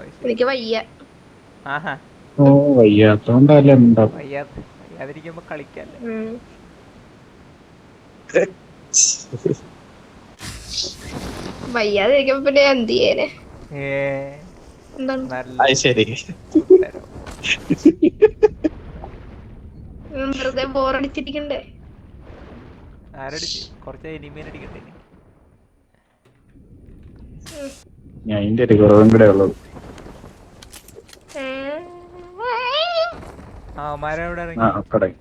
എനിക്ക് വയ്യ. ആഹാ ഓ വയ്യാത്തോണ്ടല്ലേ ഉണ്ടാവും. വയ്യാതിരിക്കുമ്പോ കളിക്കല്ലേ. വയ്യാതിരിക്കുമ്പോ പിന്നെ എന്ത് ചെയ്യാന്? എന്താണ് അത് ശരി. വെറുതെ ബോറടിച്ചിരിക്കണ്ടേ? ആരടിച്ച് കുറച്ച് ഇനിമേനടിക്കണ്ടേ? ഞാൻ അതിന്റെ ഒരു കുറവും കൂടെ ഉള്ളത്. അവന്മാരെവിടെ ആ ഇറങ്ങി? അക്കടെ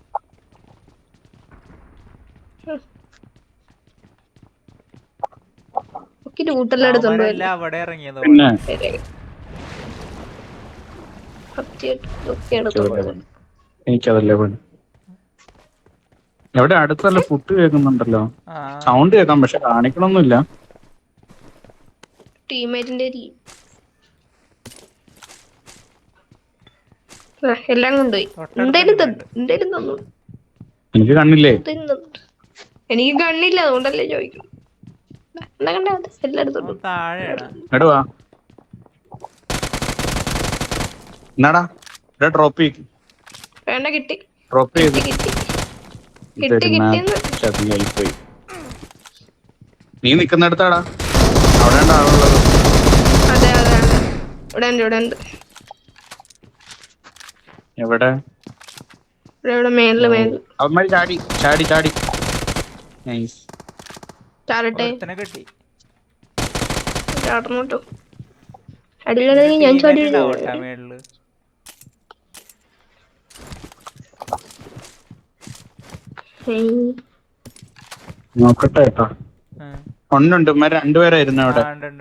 ലൂട്ടെല്ലാം എടുത്തോണ്ട് അവന്മാരെല്ലാം പോയല്ലേ. അവിടെ ഇറങ്ങിയെന്ന് പിന്നെ എനിക്കതല്ലേ പണി. എവിടെ അടുത്തല്ല ഫുഡ് കേൾക്കുന്നുണ്ടല്ലോ, സൗണ്ട് കേൾക്കാം പക്ഷെ കാണിക്കണമൊന്നുമില്ല. ടീമേറ്റിന്റെ എല്ലാം കൊണ്ടുപോയി. എന്തേലും തന്നു. എനിക്ക് കണ്ണില്ലേ? എനിക്ക് കണ്ണില്ല, അതുകൊണ്ടല്ലേ ചോദിക്കണം. എല്ലാം എടുത്തോണ്ട് എടുവാ എന്നാടാ ഡ്രോപ്പ് വേണ്ട. കിട്ടി ഡ്രോപ്പ് ചെയ്ത് കിട്ടിന്ന്. ചതിയായിപ്പോയി. നീ നിക്കുന്നിടത്താടാ, അവിടെ ആളുള്ളത്. അതെ ഇവിടെ ഉണ്ട്. എവിടെ? ഇവിടെ മേളില്. അവന്മാര് ചാടി ചാടി ചാടി. നൈസ്. ചാടട്ടെ. കിട്ടി. ചാടണോട്ടോ. അടിയിലാണെങ്കിൽ ഞാൻ ചാടി മേളില് നോക്കട്ടെ കേട്ടോ. ഉണ്ട് രണ്ടുപേരായിരുന്നു അവിടെ.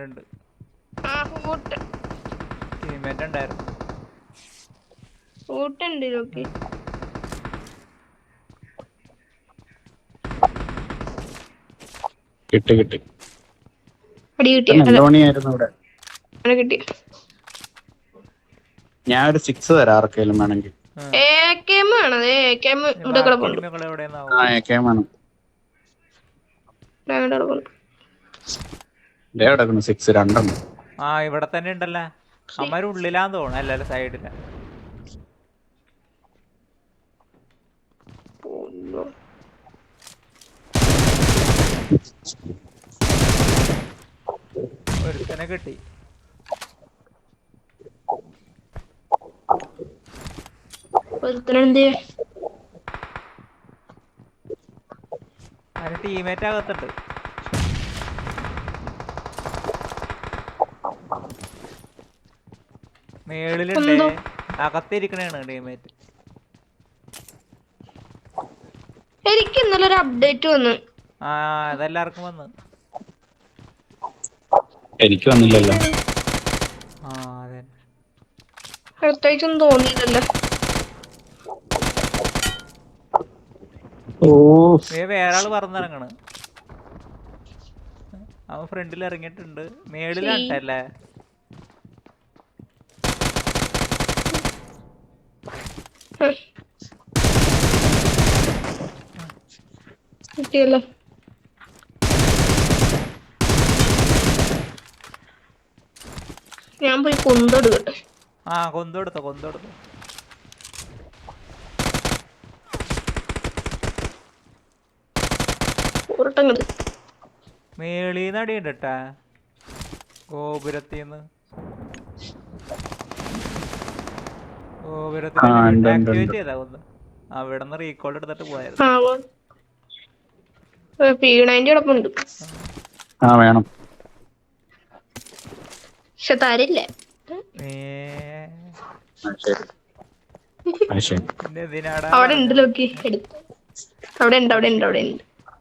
കിട്ടി. നെല്ലോണിയായിരുന്നു ഇവിടെ. ഞാൻ ഒരു 6 തരാം ആർക്കേലും വേണമെങ്കിൽ. കിടക്കുന്നു 6 രണ്ടെണ്ണം. ഇവിടെ തന്നെ ഉണ്ടല്ലോ. അമ്മര് ഉള്ളിലാന്ന് തോന്നുന്നു, അല്ലല്ലോ സൈഡില. ഒരുത്തനെ കിട്ടി. അതിന് ടീമേറ്റ് അകത്തുണ്ട്. മേളിലുണ്ട്, അകത്തിരിക്കണേണ് ടീമേറ്റ്. എനിക്ക് ഇന്നലെ ഒരു അപ്ഡേറ്റ് വന്നു. അതെല്ലാവർക്കും വന്നു. എനിക്ക് വന്നില്ലല്ലോ. പ്രത്യേകിച്ചൊന്നും തോന്നിയില്ലല്ലോ. വേറെ ആള് പറന്നിറങ്ങണ്. അവൻ ഫ്രണ്ടിൽ ഇറങ്ങിയിട്ടുണ്ട്. മേളിലാട്ടല്ലേ? കിട്ടിയല്ലോ. ഞാൻ പോയി കൊന്തെടുക്കട്ടെ. കൊന്തെടുത്തോ. മേളീന്ന് അടിയുണ്ടട്ടാ, ഗോപുരത്തിന്ന്. ആക്ടിവേറ്റ് ചെയ്താ കൊന്ന്. അവിടെന്ന് റീകോൾ എടുത്തിട്ട് പോയത്. വേണം. പക്ഷെ തരില്ല. അവിടെ ഉണ്ട് നോക്കി. അവിടെ ഉണ്ട്.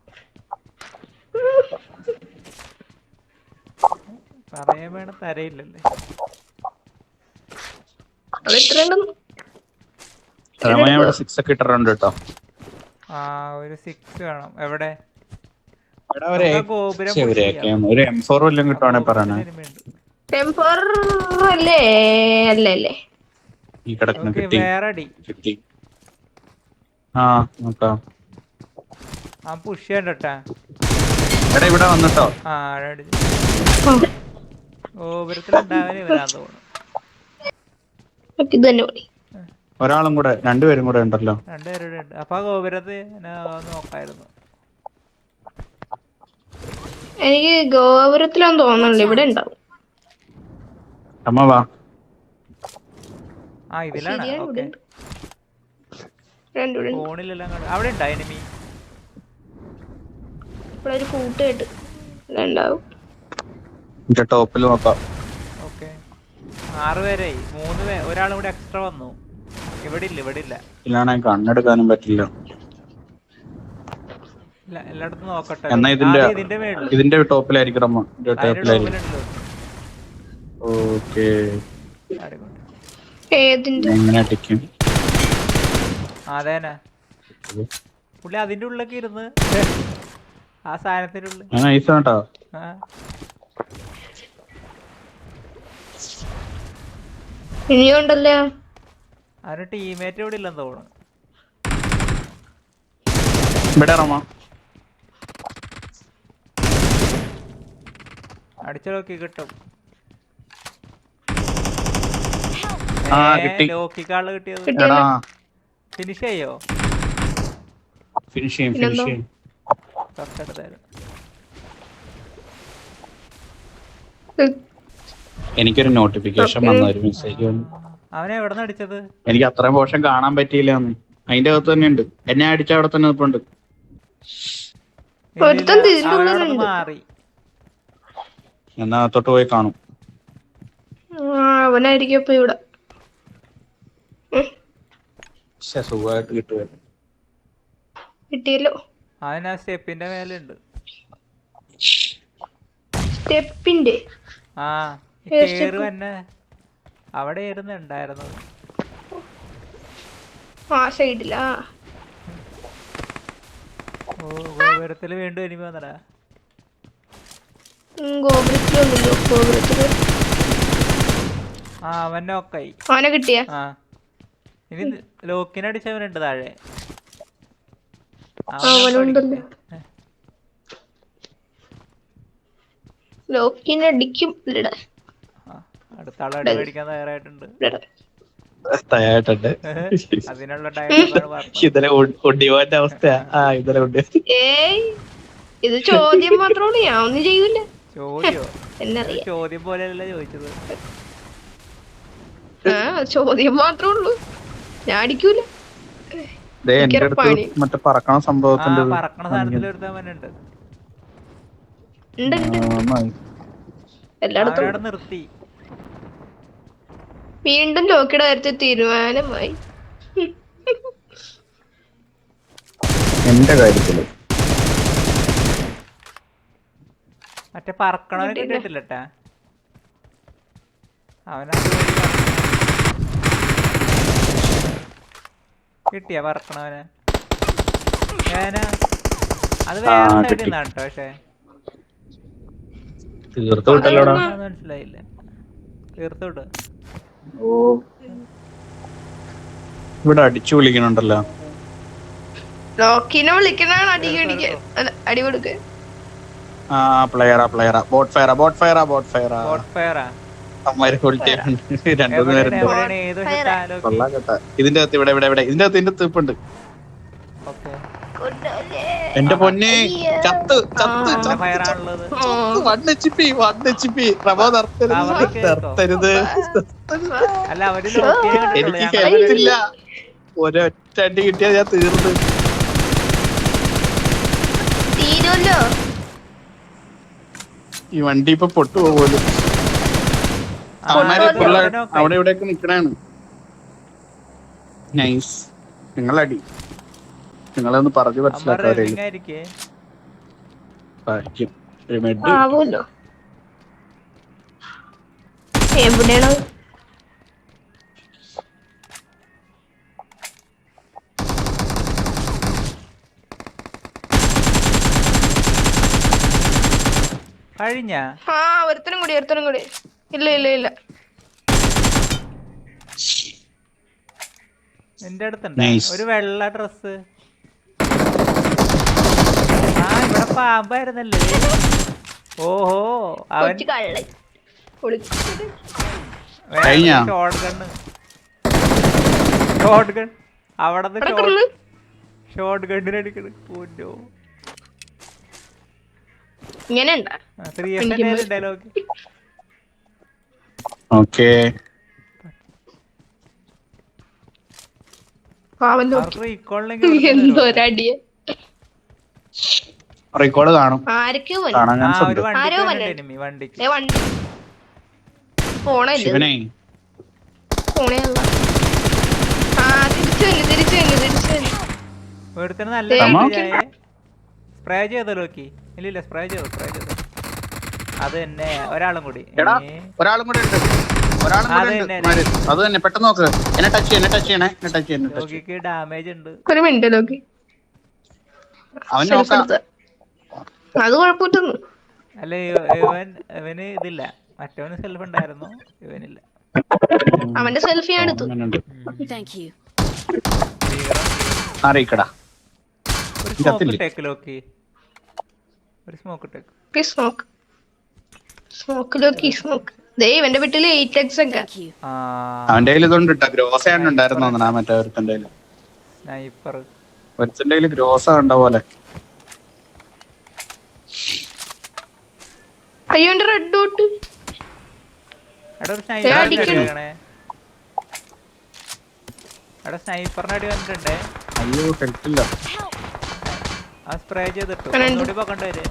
പറയാൻ വേണം, തരയില്ലല്ലേ. ഒരു 6 വേണം. എവിടെ? ഒരു M4 വല്ലതും കിട്ടുവാണെ പറയണേ. ഈ കിടക്കുന്ന കിട്ടി. നോക്കാം. പുഷ് ചെയ്യണ്ടട്ടാ. ഇവിടെ വന്നിട്ടോ. ഗോപുരത്തിലുണ്ടാവാൻ ഇവരാന്ന് തോന്നുന്നു. ഇത് തന്നെ മതി. ഒരാളും കൂടെ രണ്ടുപേരും കൂടെ ഉണ്ടല്ലോ. രണ്ടുപേരുടെ ഉണ്ട്. അപ്പൊ ആ ഗോപുരത്ത് നോക്കായിരുന്നു. എനിക്ക് ഗോപുരത്തിലാന്ന് തോന്നുന്നുണ്ട്. ഇവിടെ ഉണ്ടാവും. അമ്മ വാ. ആ ഇതിലാണ്. ശരിയാണ്, ഇവിടെ ഓക്കെ. ഉണ്ട്. രണ്ടുപേരും ഫോണിലെല്ലാം അവിടെ ഉണ്ടാ എനിമി? ഇവിടെ ഒരു കൂട്ടായിട്ട് ഉണ്ടാവും. എന്റെ ടോപ്പിൽ നോക്കാം. ഓക്കെ 6 പേരായി. 3 പേര്, ഒരാളും കൂടെ എക്സ്ട്രാ വന്നു. ഇവിടെ ഇല്ല ഇല്ലാണെങ്കിൽ കണ്ണെടുക്കാനും പറ്റില്ല. എല്ലായിടത്തും നോക്കട്ടെ. എന്നാ ഇതിന്റെ മേളില് ഇതിന്റെ ടോപ്പിലായിരിക്കും അമ്മ. ടോപ്പിലായിരിക്കും. ഓക്കെ എങ്ങനെ അടിക്കും? അതേനാ പുള്ളി അതിന്റെ ഉള്ളിലൊക്കെ ഇരുന്ന് ആ സാധനത്തിന്റെ ഉള്ളിൽ. കേട്ടോ. ഇനിയുണ്ടല്ലോ. അവന് ടീമേറ്റ് ഇവിടെ ഇല്ലെന്ന് തോന്നുന്നു. ഇവിടെ റമ അടിച്ചു നോക്കി കിട്ടും. ലോക്കിക്കാള് കിട്ടിയത്. ഫിനിഷ് ചെയ്യോ? ഫിനിഷ് ചെയ്യും. തൊട്ടടുത്തായിരുന്നു. എനിക്കൊരു നോട്ടിഫിക്കേഷൻ വന്ന ഒരു മെസ്സേജ് വന്നു. അവനെ എവിടെ നിന്ന് അടിച്ചത്? എനിക്ക് അത്രയും പോർഷൻ കാണാൻ പറ്റിയില്ല. അതിന്റെ അകത്ത് തന്നെ ഉണ്ട്. എന്നെ അടിച്ച അവിടെ തന്നെ നിൽപ്പുണ്ട്. മാറി എന്നാ തൊട്ട് പോയി കാണും. അവനായിരിക്കും ഇപ്പൊ ഇവിടെ. സുഖമായിട്ട് കിട്ടുമായിരുന്നു. കിട്ടിയല്ലോ. അവൻ ആ സ്റ്റെപ്പിന്റെ മേലുണ്ട്. സ്റ്റെപ്പിന്റെ ആ കേറ് തന്നെ അവിടെ ഉണ്ടായിരുന്നത്. ആ സൈഡിലാ. ഓ ഗോപുരത്തില് വീണ്ടും എനിമ വന്നടാ. ഗോപുരത്തിലൊന്നുമില്ലോ. ഗോപുരത്തില് ആ അവനെ ഒക്കായി. അവനെ കിട്ടിയ. ആ ഇനി ലോക്കിനടിച്ചവനുണ്ട് താഴെ. അവനുണ്ടല്ലോ. ലോക്കിനടിക്കും. അടുത്ത ആളെ അടി മേടിക്കാൻ തയ്യാറായിട്ടുണ്ട്. അതിനുള്ള ഇന്നലെ ഒടിവാന്റെ അവസ്ഥയാ. ഇത് ചോദ്യം മാത്രമാണ്. ഞാൻ ഒന്നും ചെയ്യൂല. ചോദ്യം പോലെയല്ല ചോദിച്ചത്. ചോദ്യം മാത്രമേ ഉള്ളൂ. ഞാൻ അടിക്കൂല. മറ്റേ പറക്കണ സംഭവത്തിന്റെ പറക്കണ സാധനത്തിൽ ഒരുത്തവനുണ്ട്. എല്ലായിടത്തും നിർത്തി. വീണ്ടും ലോക്കിയുടെ കാര്യത്തിൽ തീരുമാനമായി. എന്റെ കാര്യത്തില് മറ്റേ പറക്കണവനെ കിട്ടിയിട്ടില്ലട്ടാ. അവനാ കിട്ടിയ പറക്കണവനെ. അത് വേറെ സൈഡിൽ നിന്നാണ് കേട്ടോ. പക്ഷെ മനസ്സിലായില്ല. തീർത്തോട്ട് ഇവിടെ അടിച്ചു വിളിക്കണുണ്ടല്ലോ. ലോക്കിനെ വിളിക്കണാണ് അടി കൊടുക്ക. ആ പ്ലെയറാ ബോട്ട് ഫയറാ. ഇതിന്റെ അകത്ത് ഇവിടെ ഇതിന്റെ അകത്ത് തീപ്പുണ്ട്. എന്റെ പൊന്നെ ചത്ത് നിർത്തരുത്. എനിക്ക് കേട്ടില്ല. ഒരൊറ്റ അടി കിട്ടിയാ ഞാൻ തീർന്നു. ഈ വണ്ടി ഇപ്പൊ പൊട്ടുപോകുമല്ലോ. അവിടെ ഇവിടെയൊക്കെ നിക്കണാണ്. നൈസ്. നിങ്ങളടി നിങ്ങളൊന്ന് പറഞ്ഞു മനസ്സിലാക്കാറില്ല. എവിടെയാണോ കഴിഞ്ഞ? ഒരുത്തനും കൂടി. ഇല്ല എന്റെ അടുത്തുണ്ട് ഒരു വെള്ള ഡ്രസ്. ഇവിടെ പാമ്പായിരുന്നല്ലേ. ഓഹോ അവൻ കഴിഞ്ഞ ഷോട്ട് ഗണ്ണ്. ഷോട്ട് ഗൺ അവിടെ അവിടെ കിടന്ന് ഷോട്ട് ഗണ്ണിന് അടിക്കണ്. ഓ ഇങ്ങനെ ഉണ്ടാ 3F ഡയലോഗ്. ഓക്കേ പാവം നോക്കി അവർക്ക് റീകോളിനെങ്കിൽ എന്തോരടിയ റെക്കോർഡ് കാണും ആരൊക്കെയോ പോയി. കാണാൻ ചാൻസ് ഒരു ഉണ്ട് ആരോ വണ്ടിക്ക് വന്നെ. എനിമി വണ്ടിക്ക്. ദേ വണ്ടി പോണല്ലേ ശിവനെ പോണേ ആ തിരിച്ചു വന്നു ഒരുത്തന് നല്ല തമാ. സ്പ്രേ ചെയ്തോ നോക്കി. ഇല്ല സ്പ്രേ ചെയ്തു അത് തന്നെ. ഒരാളും കൂടി. എടാ ഒരാളും കൂടെ ഉണ്ട് അത് തന്നെ പെട്ടെന്ന് നോക്ക്. എന്നെ ടച്ച് ചെയ്യണേ ലോകിക്ക് ഡാമേജ് ഉണ്ട്. ഒരു മിനിറ്റ് നോക്കി അവൻ നോക്കാം അത് കുഴപ്പമില്ലെന്ന്. അല്ല ഇവന് ഇതില്ല. മറ്റവന് സെൽഫ് ഉണ്ടായിരുന്നു, ഇവനില്ല. അവന്റെ സെൽഫി ഞാൻ എടുത്തു. അറിയിക്കടാ ഒരു സ്മോക്ക് ടേക്ക് ലോക്കി. ഒരു സ്മോക്ക് ടേക്ക്. സ്മോക്ക് ദേ ഇവന്റെ വീട്ടില് 8x ഒക്കെ. അവന്റെ കയ്യിൽ ഇതുകൊണ്ട് ഇട്ടാ ഗ്രോസ ഉണ്ടായിരുന്നു തോന്നണ മറ്റേ ഒരുത്തന്റെ സ്നൈപ്പർ. ഒരുത്തന്റെ കയ്യിൽ ഗ്രോസ കണ്ട പോലെ. അയ്യോ എന്റെ റെഡ് ഡോട്ട്. സ്നൈപ്പറിന്റെ അടി വന്നിട്ടുണ്ടേ. അയ്യോ ഹെൽത്തില്ല. ആ സ്പ്രേ ചെയ്തിട്ടു. ഒന്നുകൂടി പോക്കണ്ടവര്.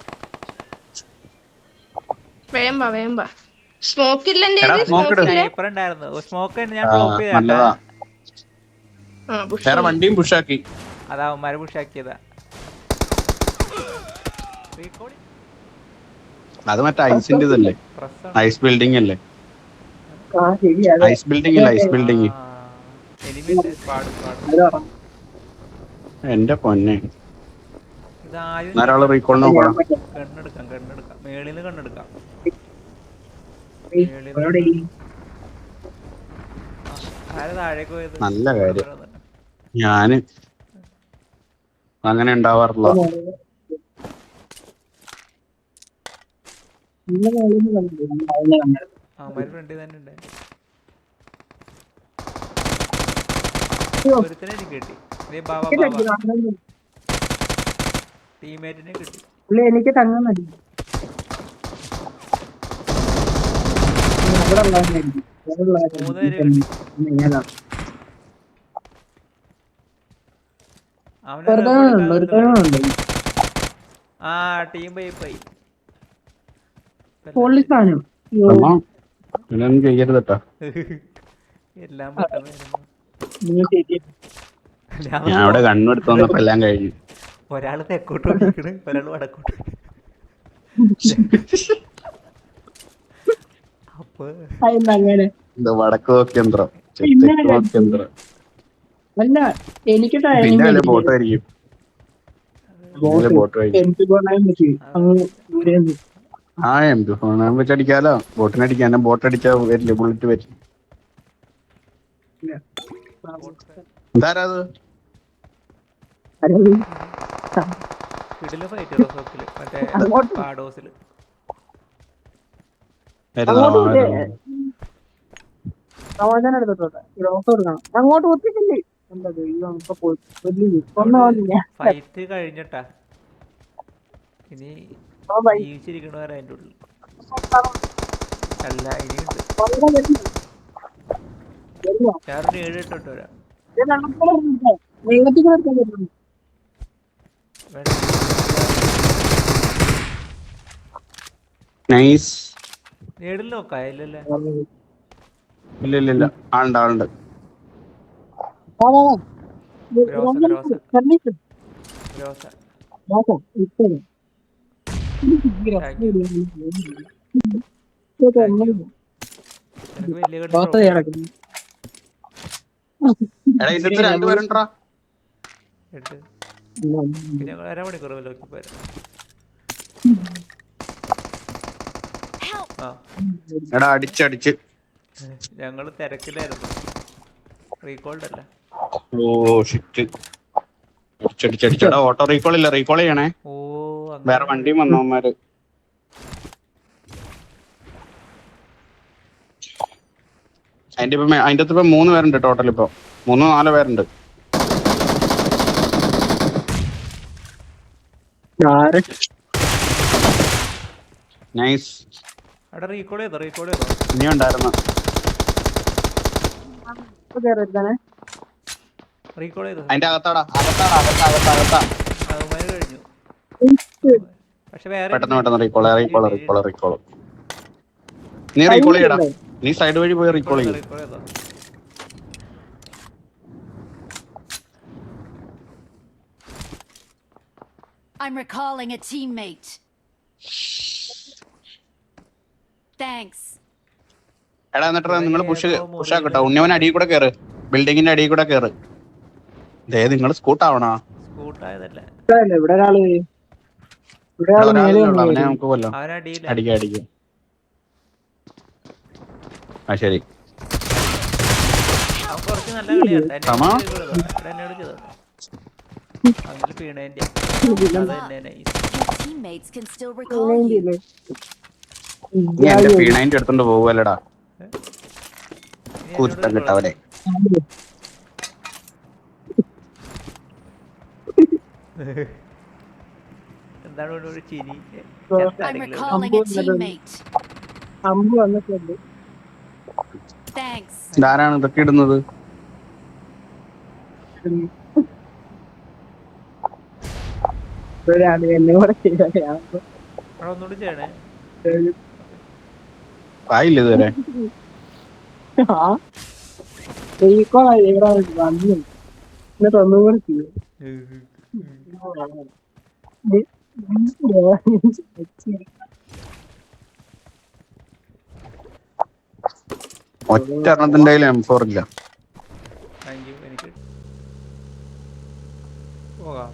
വേം വാ സ്മോക്ക് ഇല്ല എന്റെ സ്നൈപ്പർ ഉണ്ടായിരുന്നു. സ്മോക്ക് ഞാൻ ഡ്രോപ്പ് ചെയ്താ. വേറെ വണ്ടിയും പുഷാക്കി. അതാ അവന്മാരെ പുഷാക്കിയതാ. അത് മറ്റേ ഐസിന്റെ ഇതല്ലേ, ഐസ് ബിൽഡിംഗ് അല്ലേ? Ice building. എന്റെ പൊന്നെ ധാരാളം റീകോൾ നോക്കണം. കണ്ണെടുക്കാം മേളിന്ന് കണ്ണെടുക്കാം. നല്ല കാര്യം. ഞാന് അങ്ങനെ ഉണ്ടാവാറില്ല. ഫ്രണ്ടിൽ തന്നെ ഉണ്ട്. കിട്ടി ടീമേറ്റിനെ കിട്ടി. എനിക്ക് തങ്ങാൻ മതി. ആ ടീം പോയി ചെയ്യരുതട്ടാ. എല്ലാം ഞാൻ അവിടെ കണ്ണെടുത്ത് വന്നപ്പോ എല്ലാം കഴിഞ്ഞു. ഒരാള് തെക്കോട്ട് നോക്കിക്കണ്, ഒരാള് വടക്കോട്ട്. അപ്പൊ വടക്ക് നോക്കിയന്ത്രം അല്ല എനിക്ക് ബോട്ടായിരിക്കും. ആ എംപി ഫോൺ വെച്ചടിക്കാലോ. ബോട്ടിനടിക്കാൻ ബോട്ടടിച്ചാ വരില്ല, ബുള്ളറ്റ് വരും. എന്താരാ അത്? സമാധാനം എടുത്തോട്ടെ. അങ്ങോട്ട് ഒത്തിരില്ലേ ഫൈറ്റ് കഴിഞ്ഞിട്ടാ ഇനി ജീവിച്ചിരിക്കണവരെ അതിന്റെ ഉള്ളിൽ അല്ല ഇനിയുണ്ട്. ഞാനൊരു 7-8 വരാം. നേടിൽ നോക്കാം. ഇല്ല ആളുണ്ട്. രണ്ടുപേരുണ്ടാ. അരമണിക്കൂർ എടാ അടിച്ചടിച്ച് ഞങ്ങള് തിരക്കിലായിരുന്നു. റീകോൾഡ് അല്ല. Oh shit. അടിച്ചടിച്ചടിച്ചടാ. ഓട്ടോ റീകോൾ ഇല്ല, റീകോൾ ചെയ്യണേ. വേറെ വണ്ടിയും വന്നവന്മാര്. അതിന്റെ അകത്ത് ഇപ്പൊ 3 പേരുണ്ട് ടോട്ടൽ. ഇപ്പൊ 3-4 പേരുണ്ട്. നൈസ്. അവിടെ റീകോൾ ചെയ്തോ ഇനി ഉണ്ടായിരുന്നു. റീകോൾ ചെയ്തോ. അതിന്റെ അകത്താ. അവന്മാര് കഴിഞ്ഞു. പക്ഷെ വേറെ പെട്ടെന്ന് റീകോൾ. നീ റീകോൾ ചെയ്യടാ. നീ സൈഡ് വഴി പോയി റീകോൾ ചെയ്യും. റീകോൾ ചെയ്തോ. I'm recalling a teammate. Thanks. എടാ എന്നിട്ട് നിങ്ങൾ പുഷാക്കട്ടോ. ഉണ്ണിയവൻ അടിയിൽ കൂടെ കയറ്. ബിൽഡിങ്ങിന്റെ അടിയിൽ കൂടെ കയറ്. നിങ്ങൾ സ്കൂട്ടാവണോ? സ്കൂട്ടായതല്ല. ഇവിടെ ഒരാള് അവനെ നമുക്ക് കൊല്ലാം. അടിക്കാം. ആ ശരി. അവൻ കുറച്ച് നല്ല കളിയാണ്. Teammates can still recall you. നീ എന്റെ P90 എടുത്തോണ്ട് പോവല്ലടാ. കൂത്തം കിട്ടവനെ. എന്താണ് ഒരു ചിരി? I'm recalling a teammate. Thanks. ആരാണ് ഇതൊക്കെ ഇടുന്നത്? ഒന്നുകൂടി ചെയ്യണേ. ആയില്ല ഇതുവരെ. എന്നിട്ട് ഒന്നും കൂടെ ചെയ്യും. ഒറ്റ എണ്ണത്തിന്റെ M4 ഇല്ല. എനിക്ക് പോകാം.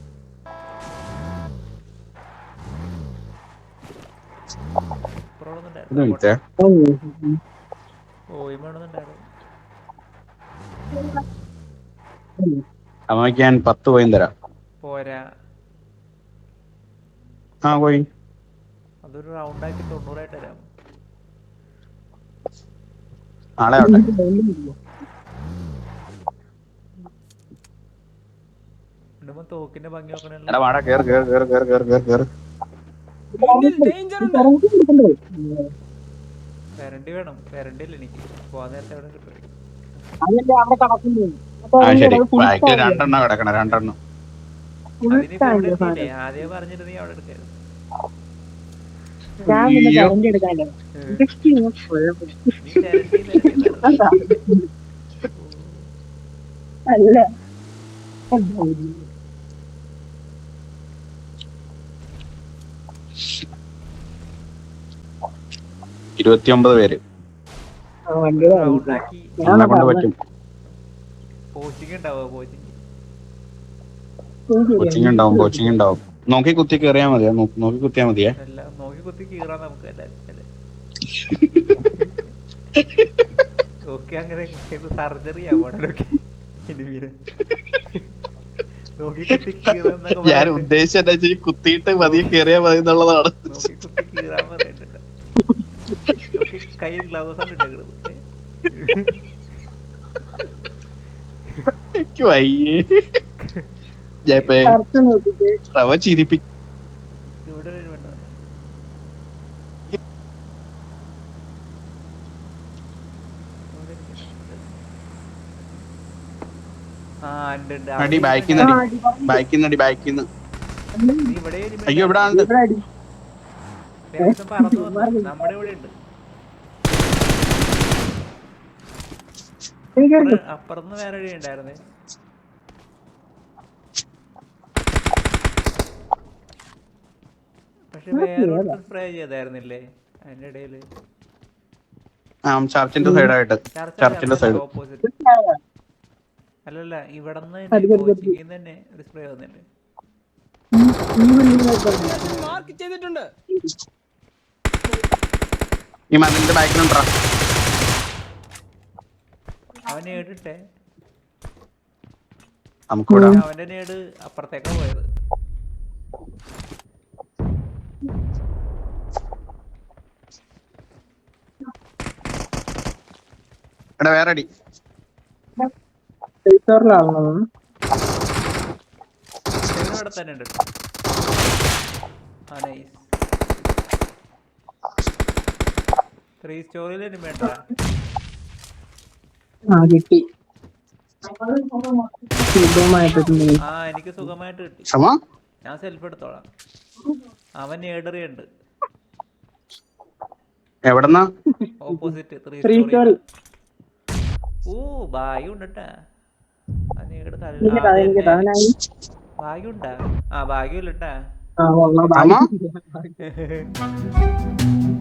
അമ്മയ്ക്ക് ഞാൻ 10 കോയിൻ തരാം. പോരാ. കോയിൻ അതൊരു റൗണ്ട് ആക്കി 90 ആയിട്ട് തരാം. നാളെ ആവട്ടെ. തോക്കിന്റെ ഭംഗി നോക്കണേ. കരണ്ടി വേണം. കരണ്ടി ഇല്ല എനിക്ക്. പോവാൻ നേരത്തെ എവിടെ കിട്ടും. രണ്ടെണ്ണം കിടക്കണം. ആദ്യം പറഞ്ഞിട്ട് നീ അവിടെ എടുക്കായിരുന്നു. അല്ല 29 പേര്. നമ്മളെ കൊണ്ട് പറ്റും. കോച്ചിങ് ഉണ്ടാവും. നോക്കി കുത്തി കയറിയാ മതിയാ. നോക്കി കുത്തിയാ മതിയേ. നോക്കി കുത്തി കീറാൻ നമുക്ക് അങ്ങനെ സർജറി ഞാൻ ഉദ്ദേശിച്ച കുത്തിയിട്ട് മതിയെ കയറിയാ മതി എന്നുള്ളതാണ്. നോക്കി കുത്തി കീറാൻ പറയണ്ടല്ലോ. കൈ ഗ്ലൗസ് വയ്യേ ചിരിപ്പിക്കും. ഇവിടെ അടി ബാക്കിന്ന്. അയ്യോ ഇവിടെ ഉണ്ട്. നമ്മുടെ ഇവിടെ ഉണ്ട്. അപ്പുറത്ത് വേറെ വഴി ഉണ്ടായിരുന്നേ. പക്ഷെ വേറെ സ്പ്രേ ചെയ്തായിരുന്നില്ലേ അതിന്റെ ഇടയില്? ചർച്ചിന്റെ സൈഡായിട്ട്. ചർച്ചിന്റെ സൈഡ്. ഓപ്പോസിറ്റ്. അല്ലല്ല ഇവിടെന്ന് തന്നെ ഒരു സ്പ്രേ വന്നില്ലേ? ഈ മതിലിന്റെ ബാക്കിലുണ്ടാ. അവൻ നേടിട്ടെ. അവന്റെ നേട് അപ്പുറത്തേക്കാ പോയത്. വേറെ അടി. സ്റ്റോറിലാണോ? ഇവിടെ തന്നെ ഉണ്ട്. ആ നൈസ്. 3 സ്റ്റോറിയിൽ ഇനി വേണ്ട. ആ കിട്ടി. സുഖമായിട്ടുണ്ട്. ആ എനിക്ക് സുഖമായിട്ട് കിട്ടി. ക്ഷമ ഞാൻ സെൽഫ് എടുത്തോളാം. അവൻ ഏടറിയുണ്ട് എവിടെന്നാ? Opposite 3 three storey. സ്റ്റോറി. ഓ ഭാഗ്യം ഉണ്ടട്ടാ. അവനായി. ഭാഗ്യം ഉണ്ടാ? ആ ഭാഗ്യം ഇല്ലട്ടാ. ആ, ഉള്ള ക്ഷമ ഭാഗ്യം.